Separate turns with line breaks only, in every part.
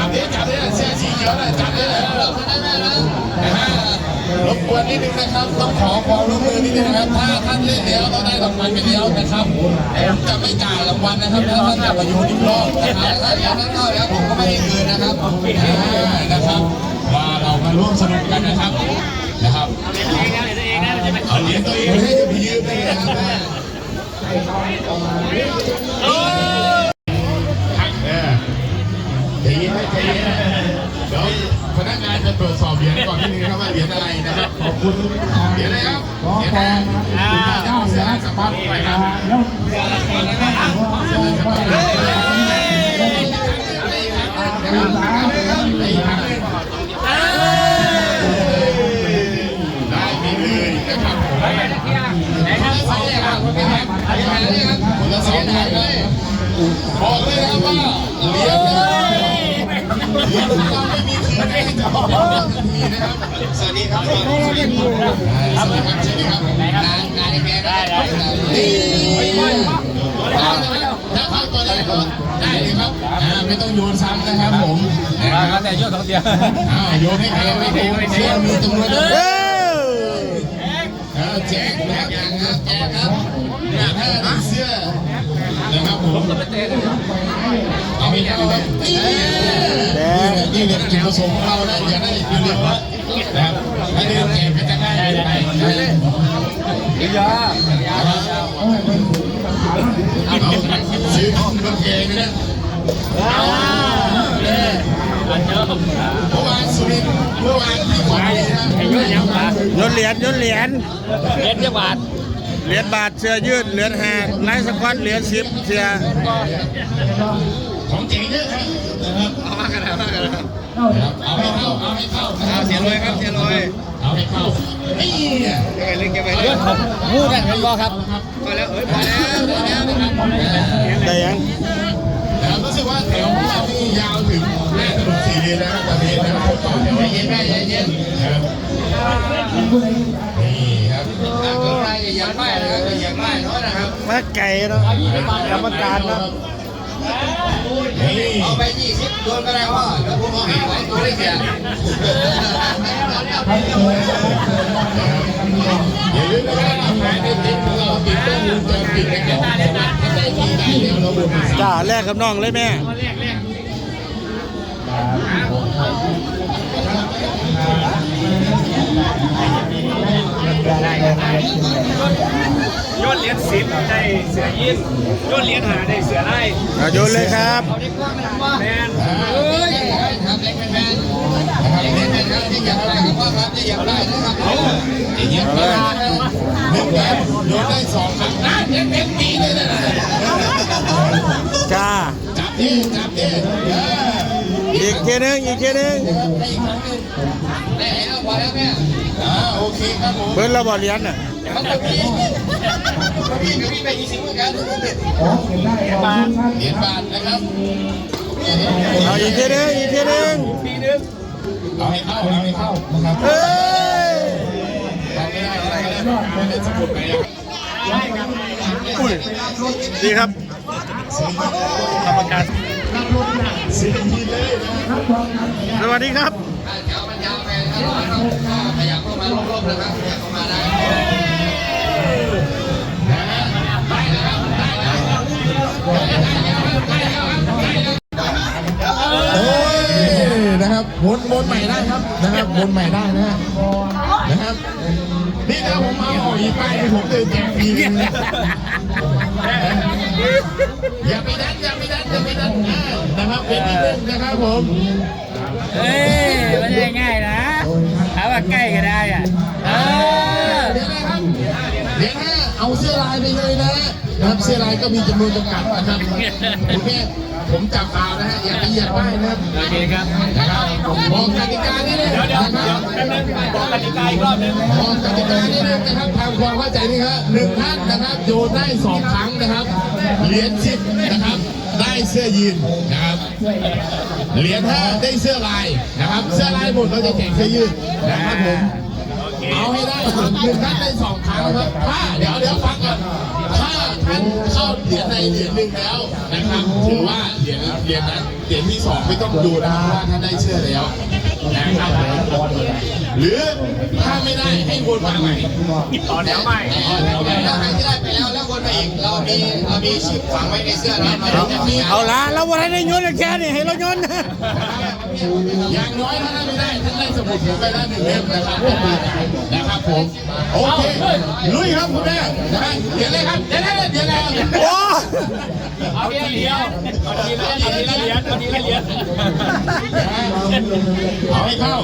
ดิจับดิเสื้อสีเขียวเลยจับดิรบกวนนิดนึงนะครับต้องขอความร่วมมือนิดนึงนะครับถ้าท่านเล่นแล้วต้องได้รางวัลไปแล้วนะครับผมจะไม่จ่ายรางวัลนะครับถ้าท่านจะมาโยนอีกรอบนะครับถ้าอย่างนั้นก็แล้วผมก็ไม่ให้คืนนะครับนะครับว่าเรามาร่วมสนุกกันนะครับเอาเหรียญตัวเองให้จะไปยืมได้นะครับใจเย็นใจเย็นเดี๋ยวพนักงานจะตรวจสอบเหรียญก่อนที่นี่ครับว่าเหรียญอะไรนะครับขอบคุณเหรียญอะไรครับเหรียญเจ้าเสือสะพัดไปครับได้มีเลยนะครับคนละ2เหรียญเลยบอกเลยครับว่าเหรียญเราไม่มีคืนให้จะบอกทันทีนะครับสวัสดีครับสวัสดีครับงานแกได้นี่ถ้าเข้าตัวได้ก็ได้เลยครับไม่ต้องโยนซ้ำนะครับผม
แต่โยน2เดียว
โยนให้ใครไม่ได้เชื่อมีจำนวนแจกครับแจกครับถ้าเสื้อนะครับผมเอาไปเอาครับนี่เนี่ยจุดประสงค์ของเรานะอย่าได้อยู่เรียบร้อยนะครับถ้าเดินแจกก็จะง่ายไป
ยา
เอาซื้อของกางเกงนะเมื่อวานสุรินทร์เมื่อวานที่ขวัญนะ
โยนเหรียญ
เหรียญบาท
เหรียญบาทเสื้อยืดเหรียญแหกไลฟ์สควอตเหรียญ10เสื้อ
ของจริงเยอะครับเอามากันครับเอาให้เข้า
เสียรวยครับเสียรวย
เอาให้เข้านี่
เล่นเกมไปเรื่อยพูดกันเป็นบอครับพอแล้วพอแล้ว
ได้ยัง
รู้สึกว่าแถวของเราที่ยาวถึงแม่ถนน4 เลนนะครับตอนนี้นะครับต่อแถวเย็นครับนี่ครับ
ก็ไรอย่างไรนะครับอย่างไรน้อยนะครับ
มาไก่เนาะกรรมการเนาะ
เอาไป20ตัวก็ได้ว่าแล้วพวกเราให้ตัวได้แค่
อย่าลืมนะครับแฟนติดของเราติดต้องวงจรปิดนะครับถ้าได้ทีได้เดี๋ยวเราบน
จ้าแลกกับน้องเลยแม่
โยนเหรียญ10ได้เสือยินโยนเหรียญ5ได้เสือไล่
โยนเลยครับ
แมนครับเล็กแมนครับที่อยากได้ครับว่าครับที่อยากได้นะครับ
อย่างเงี้ยโยนได้2 ครั้งนะเต็มปีเลยนะ
จ้า
จับดิ
อีกทีนึง
ได้แล้วพอแล้วแม่โอเคครับผม
เบิ้ลเราบอเหรียญน่ะ
พี่ไป20เหมือนกันเหรียญบาทนะครับ
เอาอีกทีนึง
เอาให้เข้านะครับไม่ได้สมุดไป
ดีครับกรรมการสวัสดีครับ
ขยับเข้ามาลบๆนะครับขยับเข้ามาได้นะครับวนใหม่ได้ครับนะครับวนใหม่ได้นะครับนี่นะผมเอาอีกไปผมเดินแจกฟรีอย่าไปดันนะครับเป็นนิดนึงนะครับผม
ไม่ได้ง่ายนะถามว่าใกล้ก็ได้อ่ะ
เดี๋ยวนะครับเดี๋ยวนะเอาเสื้อลายไปเลยนะครับเสื้อลายก็มีจำนวนจำกัดนะครับผมจับข่าวนะฮะอย่าไปเหยียบป้ายนะครับ
โอเคครับ
บอกกติกานี่เลย
บอกกติกาอีกรอบนึง
บอกกติกานี่เลยนะครับทำความเข้าใจนี่ครับ1 ท่านนะครับโยนได้2 ครั้งนะครับเหรียญ10นะครับได้เสื้อยีนนะครับเหรียญ5ได้เสื้อลายนะครับเสื้อลายหมดเราจะแจกเสื้อยืดนะครับผมเอาให้ได้ครับ1 ท่านได้2 ครั้งครับถ้าเดี๋ยวฟังก่อนถ้าท่านเข้าเหรียญในเหรียญหนึ่งแล้วนะครับถือว่าเหรียญนั้นเหรียญที่สองไม่ต้องดูนะครับว่าถ้าได้เสื้อแล้วนะครับหรือถ้าไม่ได้ให้วนมาใหม่
ต่อแถวใหม่ถ้าใครที่ได้ไปแล้วแล้ววนมาอีกเรามีชิปฝังไว้ในเสื้อแล้วเราจะมี
เอาละเราวันได้โยนแค่นี้ให้เราโยนนะ
อย่างน้อยถ้าไม่ได้ท่านได้สมุดผมไปแล้วหนึ่งเล่มนะครับผมโอเคลุยครับคุณแม่นะครับเดี๋ยวเลยครับเดี๋ยวเลย
โอ้
เอาทีละเหรียญเอาทีละเหรียญ
เอาให้เข้า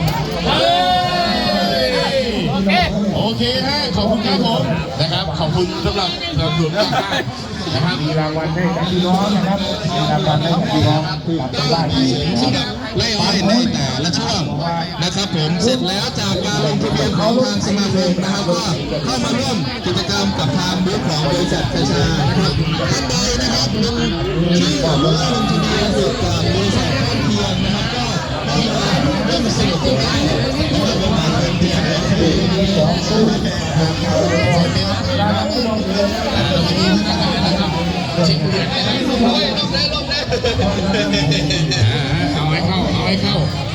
โอเคฮะขอบคุณครับผมนะครับขอบคุณสำหรับสนับสนุนมากๆนะครับ
มีรางวัลให้กับพี่น้องนะครับมีรางวัลให้กับพี่น้องที่ทำได้ดี
สำหรับไล่อ้อยในแต่ละช่วงนะครับผมเสร็จแล้วจากการลงทะเบียนของทางสมาคมนะครับก็เข้ามาร่วมกิจกรรมกับทางบูธของบริษัทชานะครับท่านใดนะครับลงชื่อหรือว่าลงทะเบียนอยู่กับบริษัทท่านเทียนนะครับก็เข้ามาร่วมสนุกกันได้นะครับประมาณเป็นเพียง
เอาให้เข้า